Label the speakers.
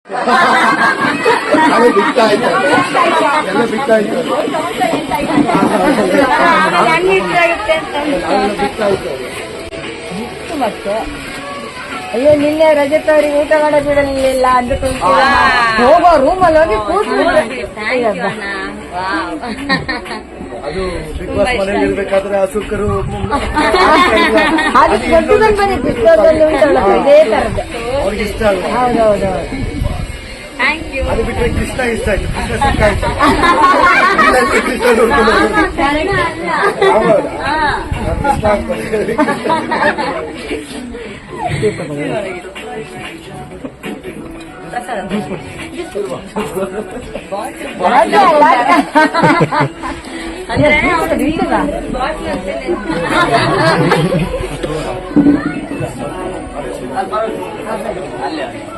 Speaker 1: ಅದು ಬಿಟ್ಟ ಆಯ್ತು, ಎಲ್ಲ ಬಿಟ್ಟ ಆಯ್ತು, ಬಿಟ್ಟ ಆಯ್ತು.
Speaker 2: ಮತ್ತೆ ಅಯ್ಯೋ ನಿನ್ನೆ ರಜತ್ ಅವ್ರಿಗೆ ಊಟ ಮಾಡಕ್ ಬಿಡಲಿಲ್ಲ ಅಂದುಕೊಂಡು ಹೋಗೋ ರೂಮಲ್ಲಿ ಹೋಗಿ ಕೂತ್ಬಿಟ್ಟು
Speaker 1: ಅದು ಬಿಗ್ ಬಾಸ್ ಮನೇಲಿ ಇರ್ಬೇಕಾದ್ರೆ ಹಸುಕರು
Speaker 2: ಅದು ದೊಡ್ಡದಲ್ಲಿ ಬಂದಿತ್ತು, ಚಿಕ್ಕದಲ್ಲಿ ಉಂಟಲ್ಲ ಇದೇ ತರದ್ದು.
Speaker 1: ಅವ್ರಿಗೆ ಇಷ್ಟ ಆಗುತ್ತೆ.
Speaker 2: ಹೌದೌದೌದು.
Speaker 1: ಅದು ಬಿಟ್ಟರೆ ಕೃಷ್ಣ ಇಷ್ಟ ಆಯ್ತು, ಕೃಷ್ಣ ಸಿಕ್ಕ ಆಯ್ತು. ಕೃಷ್ಣ ನೋಡ್ಕೊಂಡು ಕೃಷ್ಣ ಆಗ್ತದೆ.
Speaker 2: ಅಂದ್ರೆ